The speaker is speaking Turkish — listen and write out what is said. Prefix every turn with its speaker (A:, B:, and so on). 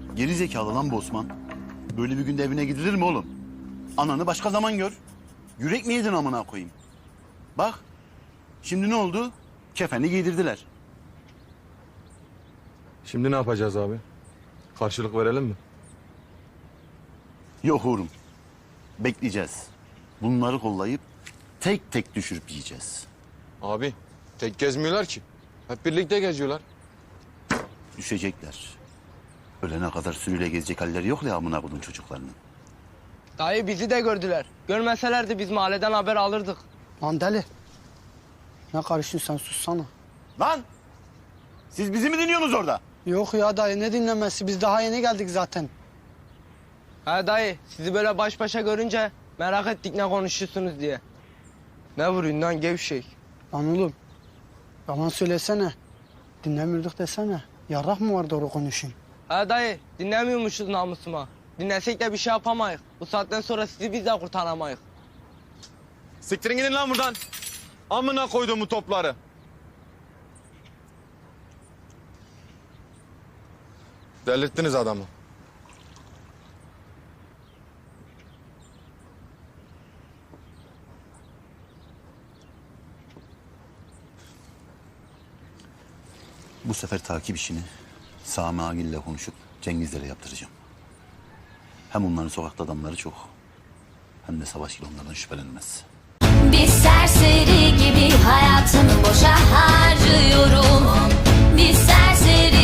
A: Geri zekalı lan bu Osman. Böyle bir günde evine gidilir mi oğlum? Ananı başka zaman gör. Yürek mi yedin amına koyayım? Bak, şimdi ne oldu? Kefeni giydirdiler.
B: Şimdi ne yapacağız abi? Karşılık verelim mi?
A: Yok oğlum. Bekleyeceğiz. Bunları kollayıp tek tek düşürüp yiyeceğiz.
B: Abi tek gezmiyorlar ki. Hep birlikte geziyorlar.
A: Düşecekler. Ölene kadar sürüyle gezecek halleri yok ya amına koydum çocuklarının.
C: Dayı bizi de gördüler. Görmeselerdi biz mahalleden haber alırdık.
D: Lan deli. Ne karışıyorsun sen sussana.
A: Lan! Siz bizi mi dinliyorsunuz orada?
D: Yok ya dayı ne dinlemesi biz daha yeni geldik zaten.
C: Ha dayı sizi böyle baş başa görünce merak ettik ne konuşuyorsunuz diye. Ne vuruyorsun lan gevşek?
D: Lan oğlum yalan söylesene. Dinlemiyorduk desene. Yarrak mı var doğru konuşayım?
C: Ha dayı dinlemiyormuşuz namusuma. Dinlesek de bir şey yapamayız. Bu saatten sonra sizi biz de kurtaramayız.
B: Siktirin gidin lan buradan. Amına koyduğumu topları. Delirttiniz adamı.
A: Bu sefer takip işini Sami Agil'le konuşup Cengizlere yaptıracağım. Hem onların sokakta adamları çok, hem de Savaş gibi onlardan şüphelenmez.
E: Bir serseri gibi hayatımı boşa harcıyorum. Bir serseri